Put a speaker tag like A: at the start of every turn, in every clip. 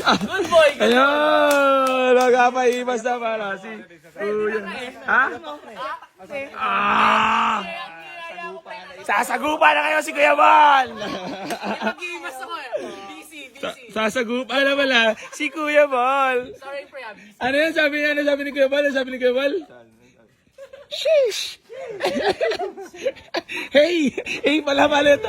A: Good boy.
B: Ayun! Nagpapaimas na para si Kuya. Ha? Ah! Sasagupa na kayo si Kuya Bal!
A: Mag-iimas ako eh. Busy.
B: Sasagupa na pala si Kuya Bal.
A: Sorry, pre. Busy.
B: Ano yan? Sabi ni Kuya Bal? Ano sabi ni Kuya Bal? Sheesh! Hey! Hey pala ito.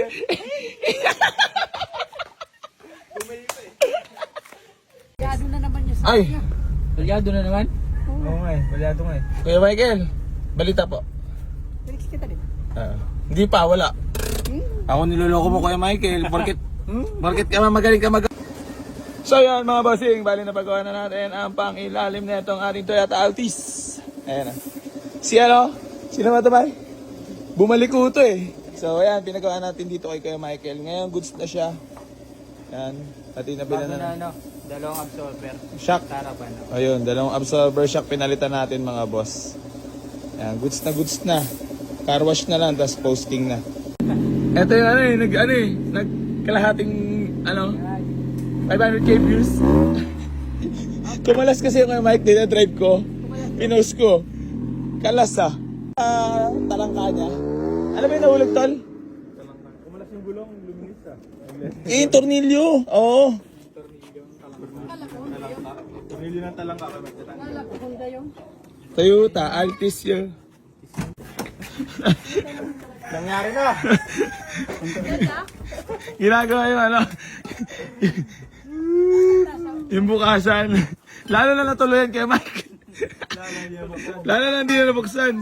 C: Gado na naman yung
B: Ay!
A: Balyado na naman?
B: Oo nga eh. Balyado nga eh. Kuya Michael, balita po.
C: Felix kita din.
B: Hindi pa, wala. Ako niloloko mo Kuya Michael. Bakit ka magaling ka So yan mga bossing, bali na pagawa na natin ang pang-ilalim na itong ating Toyota Altis. Ayan na. Si ano? Sino ba ito ba? Bumalik ko ito eh. So ayan, pinagawa natin dito kay Kuya Michael. Ngayon goods na siya. Ayan, pati nabila na.
A: Dalawang absorber.
B: Shock.
A: Tarapan.
B: Ayun, dalawang absorber shock pinalitan natin mga boss. Ayan, goods na. Car wash na lang, tapos posting na. Ito yung nagkalahating 500k views. Kumalas kasi yung Mike din na drive ko. Pinost ko. Kalas talangka niya. Ano ba yung nahulog tol? Talangka. Kumalas yung gulong, luminis yung tornilyo. Oo. Tornilyo ng talangka.
C: Wala ko Honda yung.
B: Toyota Altis yun. Nangyari na. Ginagawa yung yung bukasan. Lalo na natuloyan kay Mike. Lalo na hindi na nabuksan.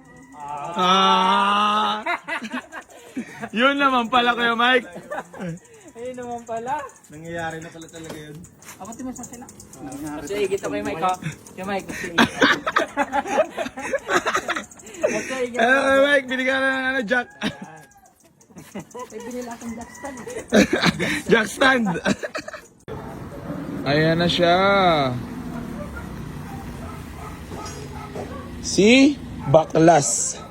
B: Yun naman pala Kuya Mike.
A: Ayun naman pala.
B: Nangyayari na pala talaga yun.
A: Ako timas na sila. Kasi igit ako kay Mike ha. Kay Mike.
B: Ano Kuya Mike, binigyan na ng jack.
C: May binila akong jack stand.
B: Jack stand. Ayan na siya. Si Baklas.